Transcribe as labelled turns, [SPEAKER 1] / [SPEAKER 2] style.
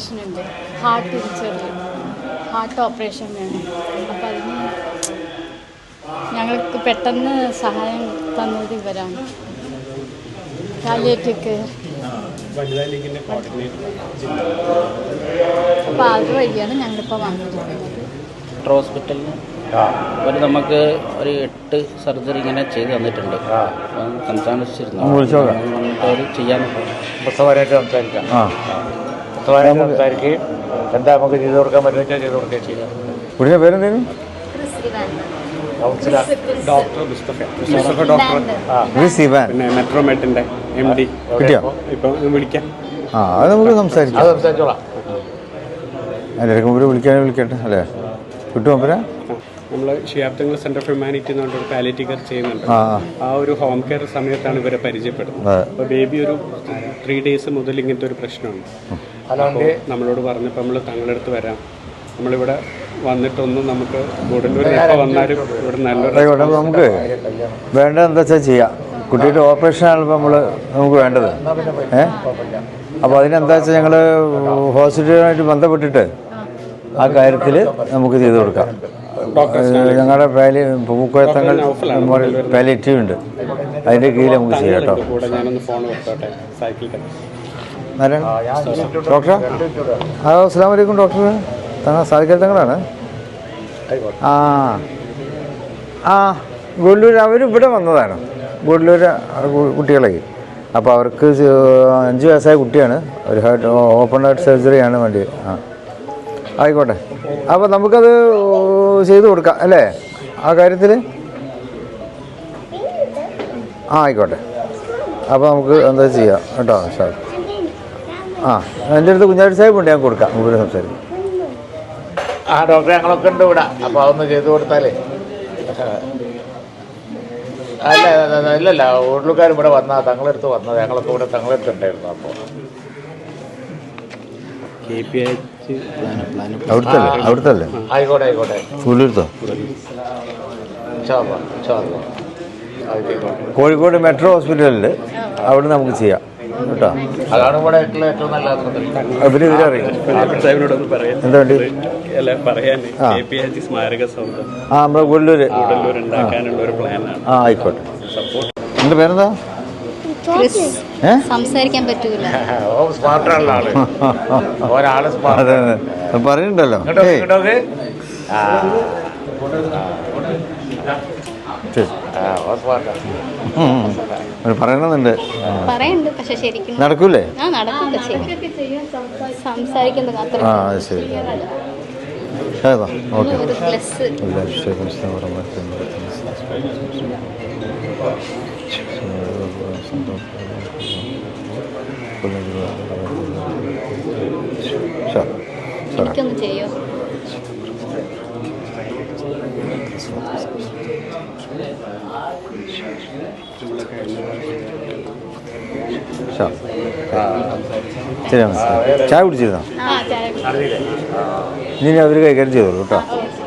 [SPEAKER 1] Operation ഉണ്ട്, heart operation വേണം. അപ്പം അതിന് ഞങ്ങൾക്ക് പെട്ടെന്ന് സഹായം തന്നത് ഇവരാണ്. പാലിയേറ്റീവ് അപ്പോൾ അതുവഴിയാണ് ഞങ്ങളിപ്പോൾ വന്നിരിക്കുന്നത്.
[SPEAKER 2] ഹോസ്പിറ്റലിൽ അവർ നമുക്ക് ഒരു 8 സർജറി ഇങ്ങനെ ചെയ്ത് തന്നിട്ടുണ്ട്. സംസാരിച്ചിരുന്നു അവർ ചെയ്യാൻ
[SPEAKER 3] പുസ്തകമായിട്ട് സംസാരിക്കാം. സംസാരിക്കുകയും എന്താ നമുക്ക് ചെയ്ത് കൊടുക്കാൻ പറ്റുന്ന ചെയ്ത് കൊടുക്കുകയും ചെയ്യാം.
[SPEAKER 4] കുടിയുടെ പേരെന്തേലും?
[SPEAKER 5] ഡോക്ടർ മുസ്തഫ ഡോക്ടർ, പിന്നെ മെട്രോമെറ്റിൻ്റെ MD. ഇപ്പം വിളിക്കാം.
[SPEAKER 4] അത് നമുക്ക് സംസാരിക്കാം.
[SPEAKER 3] സംസാരിച്ചോളാം.
[SPEAKER 4] എല്ലാവർക്കും വിളിക്കട്ടെ അല്ലേ? കിട്ടുമോ?
[SPEAKER 5] നമ്മൾ ഷിയാബ്ദങ്ങൾ സെൻറ്റർ ഓഫ് ഹ്യൂമാനിറ്റി എന്ന് പറഞ്ഞൊരു പാലിയേറ്റീവ് കെയർ ചെയ്യുന്നുണ്ട്. ആ ഒരു ഹോം കെയർ സമയത്താണ് ഇവരെ പരിചയപ്പെടുന്നത്. അപ്പോൾ ബേബി ഒരു 3 days മുതൽ ഇങ്ങനത്തെ ഒരു പ്രശ്നമുണ്ട്. അപ്പോൾ നമ്മളോട് പറഞ്ഞപ്പോൾ നമ്മൾ തങ്ങളുടെ അടുത്ത് വരാം, നമ്മളിവിടെ വന്നിട്ടൊന്നും നമുക്ക് ഗുഡല്ലൂർ എപ്പോൾ വന്നാലും ഇവിടെ നല്ലൊരു
[SPEAKER 4] നമുക്ക് വേണ്ടത് എന്താ വെച്ചാൽ ചെയ്യാം. കുട്ടിയുടെ ഓപ്പറേഷനാണ് ഇപ്പോൾ നമുക്ക് വേണ്ടത്. അപ്പോൾ അതിനെന്താ വെച്ചാൽ ഞങ്ങൾ ഹോസ്പിറ്റലുമായിട്ട് ബന്ധപ്പെട്ടിട്ട് ആ കാര്യത്തിൽ നമുക്ക് ചെയ്തു കൊടുക്കാം. ഞങ്ങളുടെ പൂക്കോയത്തങ്ങൾ മെമ്മോറിയൽ പാലിയേറ്റീവ് ഉണ്ട്, അതിൻ്റെ കീഴിൽ നമുക്ക് ചെയ്യാം കേട്ടോ. ഡോക്ടർ അസ്സലാമു അലൈക്കും. ഡോക്ടർ സാദിഖൽ തങ്ങളാണ്. ഗുഡല്ലൂർ അവരിവിടെ വന്നതാണ്, ഗുഡല്ലൂർ കുട്ടികളെ. അപ്പോൾ അവർക്ക് 5 വയസ്സായ കുട്ടിയാണ്, ഒരു ഓപ്പൺ ഹാർട്ട് സർജറിയാണ് വേണ്ടി. ആയിക്കോട്ടെ, അപ്പോൾ നമുക്കത് ചെയ്തു കൊടുക്കാം അല്ലേ ആ കാര്യത്തിൽ? ആയിക്കോട്ടെ, അപ്പോൾ നമുക്ക് എന്താ ചെയ്യാം കേട്ടോ സാർ. എൻ്റെ അടുത്ത് കുഞ്ഞാടി സാഹിബ് ഉണ്ട്, ഞാൻ കൊടുക്കാം. മുമ്പിൽ സംസാരിക്കും.
[SPEAKER 3] ഡോക്ടറെ ഞങ്ങളൊക്കെ ഉണ്ട് ഇവിടെ. അപ്പോൾ അതൊന്ന് ചെയ്തു കൊടുത്താലേ. ഇല്ലല്ല, ഉള്ളുകാർ ഇവിടെ വന്നാൽ തങ്ങളെടുത്ത് വന്നത്, ഞങ്ങളൊക്കെ ഇവിടെ തങ്ങളെടുത്ത് ഉണ്ടായിരുന്നു. അപ്പോൾ
[SPEAKER 4] അവിടുത്തെ
[SPEAKER 3] ആയിക്കോട്ടെ
[SPEAKER 4] ഫുള്ളെടുത്തോ. കോഴിക്കോട് മെട്രോ ഹോസ്പിറ്റലിൽ അവിടെ നമുക്ക് ചെയ്യാം കേട്ടോ.
[SPEAKER 3] അതാണ് ഇവിടെ ഏറ്റവും നല്ലത്.
[SPEAKER 4] പിന്നെ ഇവരറിയാം എന്താ വേണ്ടി? നമ്മുടെ ഗുഡല്ലൂർ. ആയിക്കോട്ടെ. എൻ്റെ പേരെന്താ?
[SPEAKER 1] സംസാരിക്കാൻ പറ്റൂല.
[SPEAKER 4] പറയുന്നുണ്ടല്ലോ. പറയണമെന്നുണ്ട്,
[SPEAKER 1] പക്ഷെ ശരിക്കും
[SPEAKER 4] നടക്കൂലേ?
[SPEAKER 1] സംസാരിക്കുന്നത്
[SPEAKER 4] ശരി. ഓക്കെ.
[SPEAKER 1] എനിക്കൊന്ന് ചെയ്യോ?
[SPEAKER 4] ശരി, ചായ കുടിച്ചിരുന്നോ? ഇനി അവർ കൈകാര്യം ചെയ്തോളൂ കേട്ടോ.